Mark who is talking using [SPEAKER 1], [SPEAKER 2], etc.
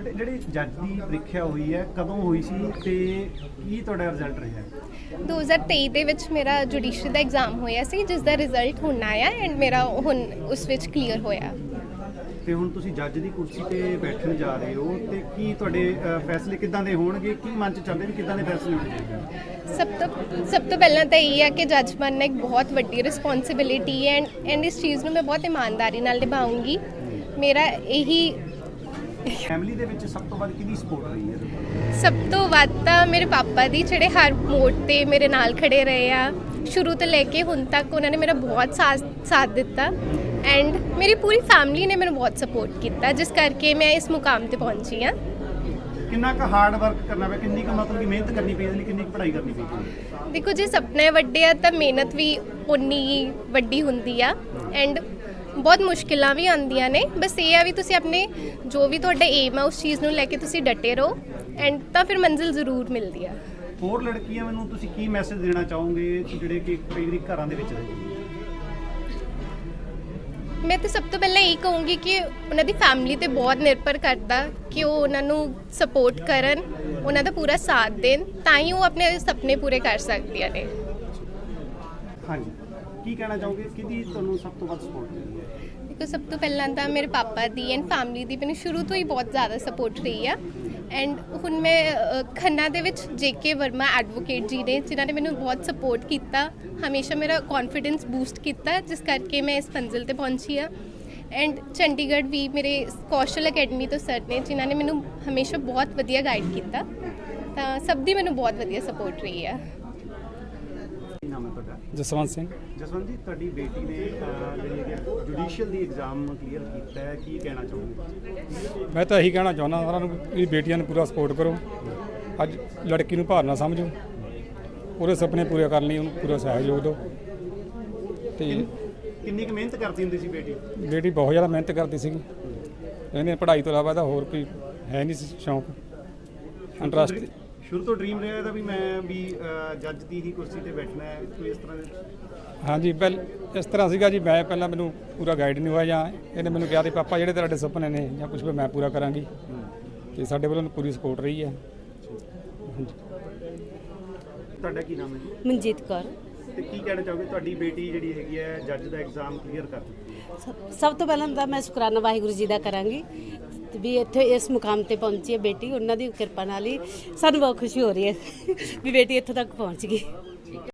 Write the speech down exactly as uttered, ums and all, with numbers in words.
[SPEAKER 1] ਤੇ ਜਿਹੜੀ ਜੱਜ ਦੀ ਪ੍ਰੀਖਿਆ ਹੋਈ ਹੈ ਕਦੋਂ ਹੋਈ ਸੀ ਤੇ ਕੀ ਤੁਹਾਡਾ ਰਿਜ਼ਲਟ ਰਿਹਾ?
[SPEAKER 2] ਦੋ ਹਜ਼ਾਰ ਤੇਈ ਦੇ ਵਿੱਚ ਮੇਰਾ ਜੁਡੀਸ਼ਰੀ ਦਾ ਐਗਜ਼ਾਮ ਹੋਇਆ ਸੀ, ਜਿਸ ਦਾ ਰਿਜ਼ਲਟ ਹੁਣ ਆਇਆ ਐਂਡ ਮੇਰਾ ਹੁਣ ਉਸ ਵਿੱਚ ਕਲੀਅਰ ਹੋਇਆ।
[SPEAKER 1] ਤੇ ਹੁਣ ਤੁਸੀਂ ਜੱਜ ਦੀ ਕੁਰਸੀ ਤੇ ਬੈਠਣ ਜਾ ਰਹੇ ਹੋ ਤੇ ਕੀ ਤੁਹਾਡੇ ਅ, ਫੈਸਲੇ ਕਿੱਦਾਂ ਦੇ ਹੋਣਗੇ? ਕੀ ਮਨ ਚ ਚੱਲਦੇ ਵੀ ਕਿੱਦਾਂ ਦੇ ਫੈਸਲੇ ਹੋਣਗੇ?
[SPEAKER 2] ਸਭ ਤੋਂ ਸਭ ਤੋਂ ਪਹਿਲਾਂ ਤਾਂ ਇਹ ਹੈ ਕਿ ਜੱਜ ਬਣਨਾ ਇੱਕ ਬਹੁਤ ਵੱਡੀ ਰਿਸਪੌਂਸਿਬਿਲਿਟੀ ਹੈ ਐਂਡ ਐਂਡ ਇਸ ਚੀਜ਼ ਨੂੰ ਮੈਂ ਬਹੁਤ ਇਮਾਨਦਾਰੀ ਨਾਲ ਨਿਭਾਉਂਗੀ। ਮੇਰਾ ਇਹੀ
[SPEAKER 1] ਫੈਮਿਲੀ ਦੇ ਵਿੱਚ ਸਭ ਤੋਂ ਵੱਧ ਕਿਹਦੀ ਸਪੋਰਟ ਰਹੀ ਹੈ?
[SPEAKER 2] ਸਭ ਤੋਂ ਵੱਧ ਤਾਂ ਮੇਰੇ ਪਾਪਾ ਦੀ, ਜਿਹੜੇ ਹਰ ਮੋੜ ਤੇ ਮੇਰੇ ਨਾਲ ਖੜੇ ਰਹੇ ਆ ਸ਼ੁਰੂ ਤੋਂ ਲੈ ਕੇ ਹੁਣ ਤੱਕ। ਉਹਨਾਂ ਨੇ ਮੇਰਾ ਬਹੁਤ ਸਾਥ ਸਾਥ ਦਿੱਤਾ ਐਂਡ ਮੇਰੀ ਪੂਰੀ ਫੈਮਿਲੀ ਨੇ ਮੈਨੂੰ ਬਹੁਤ ਸਪੋਰਟ ਕੀਤਾ, ਜਿਸ ਕਰਕੇ ਮੈਂ ਇਸ ਮੁਕਾਮ ਤੇ ਪਹੁੰਚੀ ਹਾਂ।
[SPEAKER 1] ਕਿੰਨਾ ਕੁ ਹਾਰਡ ਵਰਕ ਕਰਨਾ ਪਿਆ, ਕਿੰਨੀ ਕੁ ਮਤਲਬ ਕਿ ਮਿਹਨਤ ਕਰਨੀ ਪਈ, ਇਹਦੇ ਲਈ ਕਿੰਨੀ ਕੁ ਪੜ੍ਹਾਈ ਕਰਨੀ ਪਈ?
[SPEAKER 2] ਦੇਖੋ, ਜੇ ਸੁਪਨੇ ਵੱਡੇ ਆ ਤਾਂ ਮਿਹਨਤ ਵੀ ਉਨੀ ਹੀ ਵੱਡੀ ਹੁੰਦੀ ਆ ਐਂਡ ਬਹੁਤ ਮੁਸ਼ਕਿਲਾਂ ਵੀ ਆਉਂਦੀਆਂ ਨੇ। ਬਸ ਇਹ ਆ ਵੀ ਤੁਸੀਂ ਆਪਣੇ ਜੋ ਵੀ ਤੁਹਾਡਾ ਏਮ ਆ ਉਸ ਚੀਜ਼ ਨੂੰ ਲੈ ਕੇ ਤੁਸੀਂ ਡਟੇ ਰਹੋ ਐਂਡ ਤਾਂ ਫਿਰ ਮੰਜ਼ਿਲ ਜ਼ਰੂਰ ਮਿਲਦੀ ਆ।
[SPEAKER 1] ਹੋਰ ਲੜਕੀਆਂ ਮੈਨੂੰ ਤੁਸੀਂ ਕੀ ਮੈਸੇਜ ਦੇਣਾ ਚਾਹੋਗੇ ਜਿਹੜੇ ਕਿ ਕਈ ਵਾਰੀ ਘਰਾਂ ਦੇ ਵਿੱਚ ਰਹਿੰਦੇ?
[SPEAKER 2] ਮੈਂ ਤਾਂ ਸਭ ਤੋਂ ਪਹਿਲਾਂ ਇਹ ਕਹੂੰਗੀ ਕਿ ਉਹਨਾਂ ਦੀ ਫੈਮਿਲੀ ਤੇ ਬਹੁਤ ਨਿਰਭਰ ਕਰਦਾ ਕਿ ਉਹ ਉਹਨਾਂ ਨੂੰ ਸਪੋਰਟ ਕਰਨ, ਉਹਨਾਂ ਦਾ ਪੂਰਾ ਸਾਥ ਦੇਣ, ਤਾਂ ਹੀ ਉਹ ਆਪਣੇ ਸੁਪਨੇ ਪੂਰੇ ਕਰ ਸਕਦੀਆਂ ਨੇ।
[SPEAKER 1] ਹਾਂਜੀ, ਕੀ ਕਹਿਣਾ ਚਾਹੋਗੇ? ਕਿਹਦੀ ਤੁਹਾਨੂੰ ਸਭ ਤੋਂ ਵੱਧ ਸਪੋਰਟ ਮਿਲੀ ਹੈ?
[SPEAKER 2] ਦੇਖੋ, ਸਭ ਤੋਂ ਪਹਿਲਾਂ ਤਾਂ ਮੇਰੇ ਪਾਪਾ ਦੀ ਐਂਡ ਫੈਮਿਲੀ ਦੀ ਮੈਨੂੰ ਸ਼ੁਰੂ ਤੋਂ ਹੀ ਬਹੁਤ ਜ਼ਿਆਦਾ ਸਪੋਰਟ ਰਹੀ ਆ ਐਂਡ ਹੁਣ ਮੈਂ ਅ, ਖੰਨਾ ਦੇ ਵਿੱਚ ਜੇ ਕੇ ਵਰਮਾ ਐਡਵੋਕੇਟ ਜੀ ਨੇ, ਜਿਨ੍ਹਾਂ ਨੇ ਮੈਨੂੰ ਬਹੁਤ ਸਪੋਰਟ ਕੀਤਾ, ਹਮੇਸ਼ਾ ਮੇਰਾ ਕੌਨਫੀਡੈਂਸ ਬੂਸਟ ਕੀਤਾ, ਜਿਸ ਕਰਕੇ ਮੈਂ ਇਸ ਮੰਜ਼ਿਲ ਤੇ ਪਹੁੰਚੀ ਆ। ਐਂਡ ਚੰਡੀਗੜ੍ਹ ਵੀ ਮੇਰੇ ਕੌਸ਼ਲ ਅਕੈਡਮੀ ਤੋਂ ਸਰ ਨੇ, ਜਿਨ੍ਹਾਂ ਨੇ ਮੈਨੂੰ ਹਮੇਸ਼ਾ ਬਹੁਤ ਵਧੀਆ ਗਾਈਡ ਕੀਤਾ, ਤਾਂ ਸਭ ਦੀ ਮੈਨੂੰ ਬਹੁਤ ਵਧੀਆ ਸਪੋਰਟ ਰਹੀ ਆ।
[SPEAKER 1] ਕੀ ਨਾਮ ਹੈ ਤੁਹਾਡਾ?
[SPEAKER 3] ਜਸਵੰਤ ਸਿੰਘ।
[SPEAKER 1] ਜਸਵੰਤ ਜੀ, ਤੁਹਾਡੀ ਬੇਟੀ ਨੇ ਅ, ਜਿਹੜੀ ਹੈ ਜੁਡੀਸ਼ੀਅਲ ਦੀ ਐਗਜ਼ਾਮ ਕਲੀਅਰ ਕੀਤਾ ਹੈ, ਕੀ ਕਹਿਣਾ ਚਾਹੋਗੇ?
[SPEAKER 3] ਮੈਂ ਤਾਂ ਇਹੀ ਕਹਿਣਾ ਚਾਹੁੰਦਾ ਸਾਰਿਆਂ ਨੂੰ ਵੀ ਬੇਟੀਆਂ ਨੂੰ ਪੂਰਾ ਸਪੋਰਟ ਕਰੋ। ਅੱਜ ਲੜਕੀ ਨੂੰ ਭਾਰ ਨਾ ਸਮਝੋ, ਉਹਦੇ ਸੁਪਨੇ ਪੂਰੇ ਕਰਨ ਲਈ ਉਹਨੂੰ ਪੂਰਾ ਸਹਿਯੋਗ ਦਿਓ। ਤੇ
[SPEAKER 1] ਕਿੰਨੀ ਕੁ ਮਿਹਨਤ ਕਰਦੀ ਹੁੰਦੀ ਸੀ ਬੇਟੀ?
[SPEAKER 3] ਬੇਟੀ ਬਹੁਤ ਜ਼ਿਆਦਾ ਮਿਹਨਤ ਕਰਦੀ ਸੀਗੀ। ਇਹਨੇ ਪੜ੍ਹਾਈ ਤੋਂ ਇਲਾਵਾ ਤਾਂ ਹੋਰ ਕੋਈ ਹੈ ਨਹੀਂ ਸੀ ਸ਼ੌਂਕ, ਇੰਟਰਸਟ।
[SPEAKER 1] ਸ਼ੁਰੂ ਤੋਂ ਡ੍ਰੀਮ ਰਿਹਾ ਇਹਦਾ ਵੀ ਮੈਂ ਵੀ ਅ, ਜੱਜ ਦੀ ਹੀ ਕੁਰਸੀ ਤੇ ਬੈਠਣਾ ਹੈ, ਕੋਈ ਇਸ ਤਰ੍ਹਾਂ ਦੇ?
[SPEAKER 3] ਹਾਂਜੀ, ਪਹਿਲ ਇਸ ਤਰ੍ਹਾਂ ਸੀਗਾ ਜੀ। ਮੈਂ ਪਹਿਲਾਂ ਮੈਨੂੰ ਪੂਰਾ ਗਾਈਡ ਨਹੀਂ ਹੋਇਆ, ਜਾਂ ਇਹਨੇ ਮੈਨੂੰ ਕਿਹਾ ਸੀ ਪਾਪਾ ਜਿਹੜੇ ਤੁਹਾਡੇ ਸੁਪਨੇ ਨੇ ਜਾਂ ਕੁਝ ਵੀ ਮੈਂ ਪੂਰਾ ਕਰਾਂਗੀ, ਤੇ ਸਾਡੇ ਵੱਲੋਂ ਪੂਰੀ ਸਪੋਰਟ ਰਹੀ ਹੈ। ਹਾਂਜੀ।
[SPEAKER 1] ਤੁਹਾਡਾ ਕੀ ਨਾਮ ਹੈ ਜੀ?
[SPEAKER 4] ਮਨਜੀਤ ਕੌਰ।
[SPEAKER 1] ਤੇ ਕੀ ਕਹਿਣਾ ਚਾਹੋਗੇ? ਤੁਹਾਡੀ ਬੇਟੀ ਜਿਹੜੀ ਹੈਗੀ ਹੈ ਜੱਜ ਦਾ ਐਗਜ਼ਾਮ ਕਲੀਅਰ ਕਰ ਚੁੱਕੀ ਹੈ।
[SPEAKER 4] ਸਭ- ਸਭ ਤੋਂ ਪਹਿਲਾਂ ਤਾਂ ਮੈਂ ਸ਼ੁਕਰਾਨਾ ਵਾਹਿਗੁਰੂ ਜੀ ਦਾ ਕਰਾਂਗੀ ਤੇ ਵੀ ਇੱਥੇ ਇਸ ਮੁਕਾਮ ਤੇ ਪਹੁੰਚੀ ਹੈ ਬੇਟੀ। ਉਹਨਾਂ ਦੀ ਕਿਰਪਾ ਨਾਲ ਹੀ ਸਾਨੂੰ ਬਹੁਤ ਖੁਸ਼ੀ ਹੋ ਰਹੀ ਹੈ ਵੀ ਬੇਟੀ ਇੱਥੋਂ ਤੱਕ ਪਹੁੰਚ ਗਈ।